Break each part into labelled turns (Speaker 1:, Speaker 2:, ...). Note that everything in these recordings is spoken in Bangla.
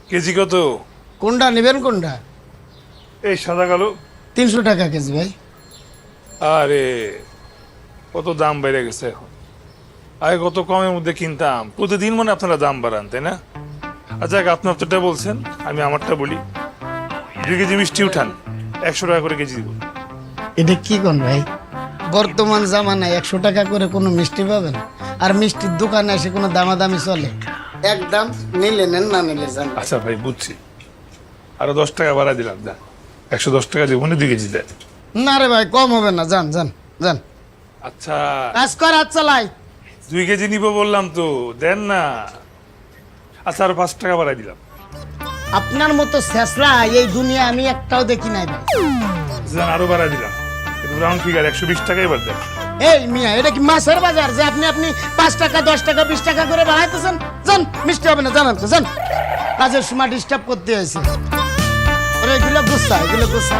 Speaker 1: কেজি কত?
Speaker 2: কোনটা নেবেন কোনটা?
Speaker 1: এই সাদা কালো।
Speaker 2: 300 টাকা কেজি ভাই।
Speaker 1: আরে কত দাম বেড়ে গেছে এখন। আগে কত কমের মধ্যে কিনতাম, প্রতিদিন মনে আপনারা দাম বাড়ান, তাই না? আচ্ছা আপনি আপনারটা বলছেন, আমি আমারটা বলি। 2 কেজি মিষ্টি উঠান, 100 টাকা করে কেজি দিব।
Speaker 2: এটা কি কোন ভাই? বর্তমান জামানায় 100 টাকা করে কোনো মিষ্টি পাবেন? আর মিষ্টির দোকানে এসে কোনো দামাদামি চলে? একদম নিলে নেন, না নিলে যান।
Speaker 1: আচ্ছা ভাই বুঝছি, আরো 10 টাকা বাড়া দিলাম, দেন 110 টাকা দিব, 2 কেজি দেন।
Speaker 2: না রে ভাই, কম হবে না, যান যান যান।
Speaker 1: আচ্ছা
Speaker 2: কাজ কর, হাত চালাই।
Speaker 1: 2 কেজি নিব বললাম তো, দেন না। আচ্ছা আরো 5 টাকা বাড়াই দিলাম।
Speaker 2: আপনার মতো শেষরা এই দুনিয়া আমি একটাও দেখি নাই ভাই।
Speaker 1: দেন আরো বাড়াই দিলাম, রাউন্ড ফিগার 120 টাকা এবার দেন।
Speaker 2: এই মিয়া, এটা কি মাছের বাজার যে আপনি 5 টাকা 10 টাকা 20 টাকা করে বাড়াইতেছেন? যান, মিষ্টি হবে না, জানান তো, যান। কাজের সময় ডিস্টার্ব করতে হয়েছে। ওরে এগুলো গুচ্ছা, এগুলো গুচ্ছা।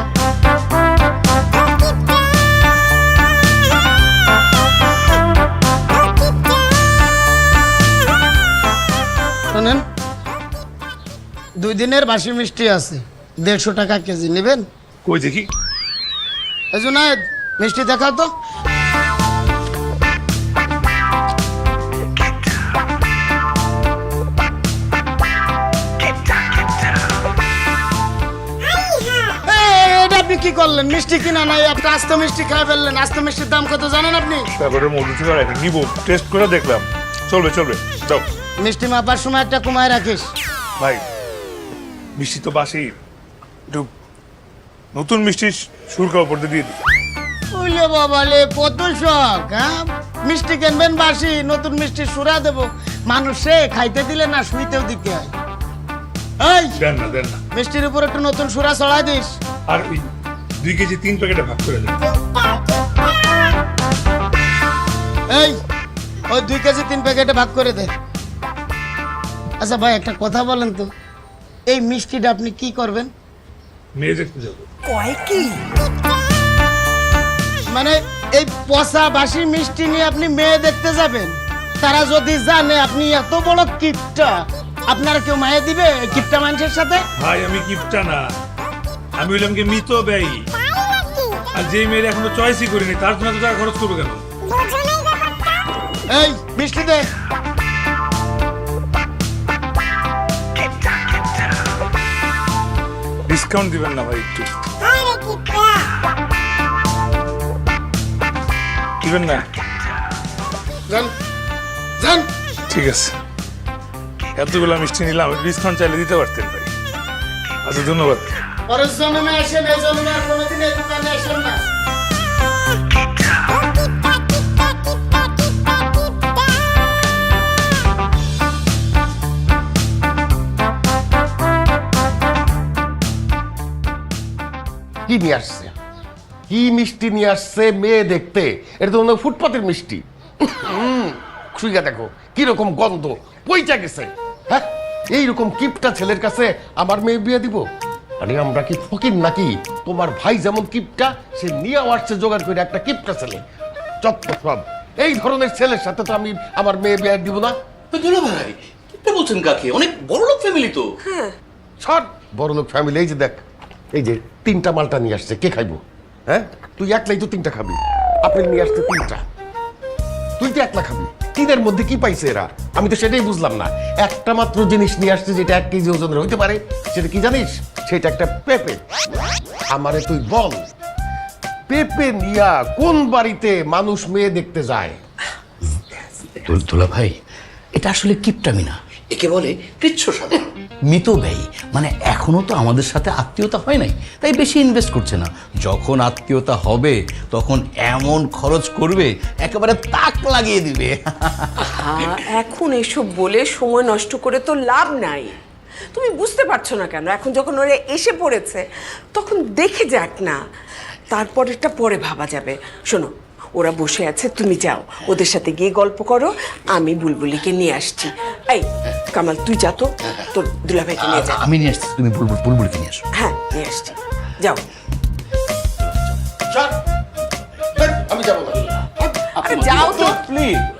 Speaker 2: শোনেন, 2 দিনের বাসি মিষ্টি আছে, 150 টাকা কেজি নেবেন?
Speaker 1: কই দেখি।
Speaker 2: এই জুনায়েদ, মিষ্টি দেখাও তো। এটা আপনি কি করলেন? মিষ্টি কিনা নাই, আপনি আস্ত মিষ্টি খাই ফেললেন। আস্ত মিষ্টির দাম কত জানেন আপনি?
Speaker 1: তারপরে মধু থেকে নিব, টেস্ট করে দেখলাম, চলবে চলবে দাও।
Speaker 2: মিষ্টি মাপার সময় একটা কমায় রাখিস
Speaker 1: ভাই। মিষ্টি তো বাসি, একটু নতুন মিষ্টি সুরকা উপর দিয়ে দিই।
Speaker 2: ওইলে বাবালে, কত শখ! হ্যাঁ, মিষ্টি কিনবেন বাসি, নতুন মিষ্টি সুরা দেবো। মানুষে খাইতে দিলে না, শুইতেও দিতে হয়। এই
Speaker 1: দেন না দেন না।
Speaker 2: মিষ্টির উপর একটু নতুন সুরা চড়াই দিস।
Speaker 1: আর ওই 2 কেজি 3 প্যাকেটে ভাগ করে দেন।
Speaker 2: এই ওই 2 কেজি 3 প্যাকেটে ভাগ করে দে। আচ্ছা ভাই, একটা কথা বলেন তো, এই মিষ্টিটা আপনি কি করবেন?
Speaker 1: মেয়ে দেখতে যাবো।
Speaker 2: কয় কি মানে? এই পচা বাসি মিষ্টি নিয়ে আপনি মেয়ে দেখতে যাবেন? তারা যদি জানে আপনি এত বড় কিপটা, আপনারা কেউ মায়ে দিবে এই কিপটা মানুষের সাথে?
Speaker 1: ভাই আমি কিপটা না, আমি হইলাম কি মৃত ব্যয়ী। আর যে মেয়ের এখনো চয়েসই করিনি, তার জন্য তো টাকা খরচ করবো কেন?
Speaker 2: এই মিষ্টি দে।
Speaker 1: ডিসকাউন্ট দিবেন না ভাই একটু? দিবেন না?
Speaker 2: যান যান।
Speaker 1: ঠিক আছে, এতগুলো মিষ্টি নিলাম, ডিসকাউন্ট চাইলে দিতে পারতেন ভাই। আচ্ছা ধন্যবাদ।
Speaker 2: পরের জন্মে আসেন, এই জন্মে আর কোনোদিন এই দোকানে আসেন না।
Speaker 3: কি নিয়ে আসছে? কি মিষ্টি নিয়ে আসছে মেয়ে দেখতে? এটা তো ফুটপাতের মিষ্টি। শুইয়া দেখো কিরকম গন্ধ, পইচা গেছে। হ্যাঁ, এইরকম কিপটা ছেলের কাছে আমার মেয়ে বিয়ে দিব? আরে আমরা কি ফকির নাকি? তোমার ভাই যেমন কিপটা, সে নিয়ে আসছে জোগাড় করে একটা কিপটা ছেলে। চত্ব সব এই ধরনের ছেলের সাথে তো আমি আমার মেয়ে বিয়ে দিব না।
Speaker 4: দুলা ভাই কি বলছেন? কাকে? অনেক বড় লোক ফ্যামিলি তো।
Speaker 3: ছাড় বড় লোক ফ্যামিলি। এই যে দেখ, এই যে 3টা মালটা নিয়ে আসছে, কে খাইবো? হ্যাঁ, তুই একলাই তো 3টা খাবি। আপেল নিয়ে আসছে 3টা, তুই তো 1লা খাবি। 3-এর মধ্যে কি পাইছে এরা? আমি তো সেটাই বুঝলাম না। একটা মাত্র জিনিস নিয়ে আসছে যেটা 1 কেজি ওজনের হইতে পারে, সেটা কি জানিস? সেটা একটা পেঁপে। আমারে তুই বল, পেঁপে নিয়া কোন বাড়িতে মানুষ মেয়ে দেখতে যায়?
Speaker 4: দুলা ভাই, এটা আসলে কিপটামি না, একে বলে কৃচ্ছ সাধন। মিত ব্যয়ী মানে এখনো তো আমাদের সাথে আত্মীয়তা হয় নাই, তাই বেশি ইনভেস্ট করছে না। যখন আত্মীয়তা হবে তখন এমন খরচ করবে, একেবারে তাক লাগিয়ে দিবে।
Speaker 5: এখন এসব বলে সময় নষ্ট করে তো লাভ নাই। তুমি বুঝতে পারছো না কেন? এখন যখন ওরা এসে পড়েছে তখন দেখে যাক না, তারপরেরটা পরে ভাবা যাবে। শোনো, ওরা বসে আছে, তুমি যাও ওদের সাথে গিয়ে গল্প করো, আমি বুলবুলিকে নিয়ে আসছি। এই কামাল, তুই যা তো, তোর দুলাভাইকে নিয়ে যা।
Speaker 4: আমি নিয়ে আসছি, তুমি বুলবুলকে নিয়ে আসো।
Speaker 5: হ্যাঁ নিয়ে আসছি, যাও।
Speaker 3: ছাড়, আমি যাবো না।
Speaker 5: আরে যাও তো
Speaker 4: প্লিজ।